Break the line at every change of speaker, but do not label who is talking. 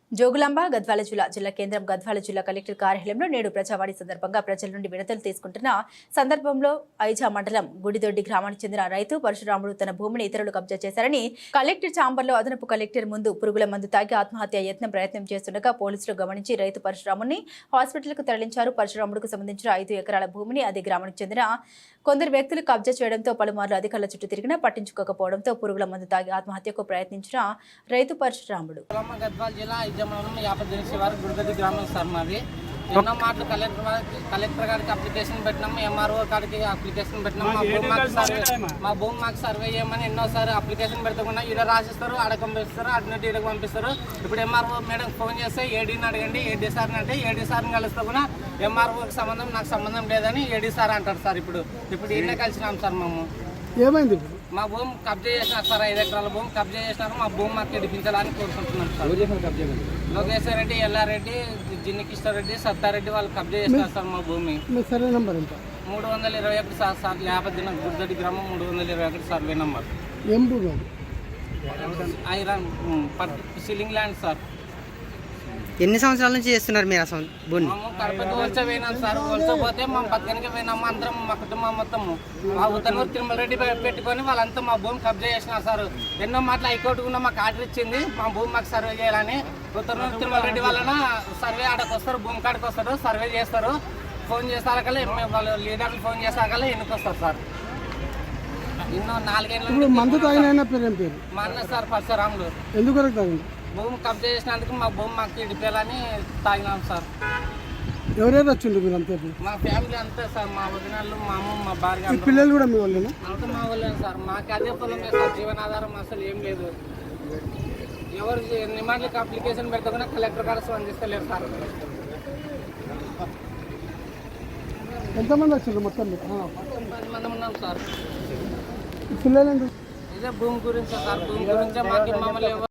జోగులాంబ గద్వాల జిల్లా కేంద్రం గద్వాల జిల్లా కలెక్టర్ కార్యాలయంలో నేడు ప్రజావాణి సందర్భంగా ప్రజల నుండి వినతులు తీసుకుంటున్న సందర్భంలో ఐజా మండలం గుడిదొడ్డి గ్రామానికి చెందిన రైతు పరశురాముడు తన భూమిని ఇతరులు కబ్జా చేశారని కలెక్టర్ ఛాంబర్లో అదనపు కలెక్టర్ ముందు పురుగుల మందు తాగి ఆత్మహత్య ప్రయత్నం చేస్తుండగా పోలీసులు గమనించి రైతు పరశురాముని హాస్పిటల్కు తరలించారు. పరశురాముడుకు సంబంధించిన 5 ఎకరాల భూమిని అదే గ్రామానికి చెందిన కొందరు వ్యక్తులు కబ్జా చేయడంతో పలుమార్లు అధికారుల చుట్టూ తిరిగినా పట్టించుకోకపోవడంతో పురుగుల మందు తాగి ఆత్మహత్యకు ప్రయత్నించిన రైతు పరశురాముడు
గుడిగడ్డి గ్రామం సార్ మాది. ఎన్నో మాటలు కలెక్టర్ గారికి అప్లికేషన్ పెట్టినాము, ఎంఆర్ఓ గారికి అప్లికేషన్ పెట్టినాము. మా భూమి మాకు సర్వే చేయమని ఎన్నోసారి అప్లికేషన్ పెడతాకుండా ఈడ రాసిస్తారు, ఆడ పంపిస్తారు, అటు ఈడకు పంపిస్తారు. ఇప్పుడు ఎంఆర్ఓ మేడం ఫోన్ చేస్తే ఏడీని అడగండి, ఏడీ సార్ని అంటే ఏడీ సార్ని కలిస్తే కూడా ఎంఆర్ఓకి సంబంధం నాకు సంబంధం లేదని ఏడీ సార్ అంటారు సార్. ఇప్పుడు ఈయనే కలిసినాం సార్. మేము
ఏమైంది?
మా భూమి కబ్జా చేసినారు సార్. 5 ఎకరాల భూమి కబ్జా చేసినారు. మా భూమి మాకు ఇడిపించాలని కోరుకుంటున్నాం సార్. లోకేశ్వర్ రెడ్డి, ఎల్లారెడ్డి, జిన్ని కిష్టారెడ్డి, సత్తారెడ్డి వాళ్ళు కబ్జా చేస్తారు సార్ మా భూమి.
సర్వే నంబర్ ఎంత?
321 సార్. లేపదిన గుడిదొడ్డి గ్రామం 321 సర్వే నంబర్.
ఏం భూమి?
Iron ceiling land sir.
ఎన్ని సంవత్సరాల నుంచి చేస్తున్నారు మీరు అసలు భూమి?
మేము కడపకి వలస పోయినాం సార్. వలసపోతే మా పక్కనకి పోయినాము అందరం, మా కుటుంబం మొత్తము. మా ఉత్తనూరు తిరుమల రెడ్డి పెట్టుకొని వాళ్ళంతా మా భూమి కబ్జా చేసినారు సార్. ఎన్నో మాటలు హైకోర్టు కూడా మాకు ఆర్డర్ ఇచ్చింది మా భూమి మాకు సర్వే చేయాలని. ఉత్తనూరు తిరుమల రెడ్డి వలన సర్వే ఆడకు వస్తారు, భూమి కాడికి వస్తారు, సర్వే చేస్తారు. ఫోన్ చేసాకల్లా వాళ్ళు లీడర్లు ఫోన్ చేసాకల్లా ఎన్నుకొస్తారు సార్. ఎన్నో 4 ఏళ్ళ
మందు తాగిన పేరు ఏం పేరు?
మా అన్న సార్ పరశురాములు.
ఎందుకు తాగింది?
భూమి కబ్జా చేసినందుకు మా భూమి మాకు ఇడిపోయాలని తాగినాం సార్.
ఎవరెవరు వచ్చిండ్రు మీరు అంతే?
మా ఫ్యామిలీ అంతే సార్. మా వదినాళ్ళు, మా అమ్మ, మా భార్య,
పిల్లలు కూడా మీ వాళ్ళేనా?
అంతా మా వాళ్ళే సార్. మాకు అదే పొలమే సార్. జీవనాధారం అసలు ఏం లేదు. ఎవరు నిమాండ్లకి అప్లికేషన్ పెడతా కలెక్టర్ గారు స్పందిస్తలేరు సార్.
ఎంతమంది వచ్చిండ్రు మొత్తం?
10 మంది ఉన్నాం సార్.
పిల్లలు
ఇదే భూమి గురించి సార్. భూమి గురించే మాకు మమ్మల్ని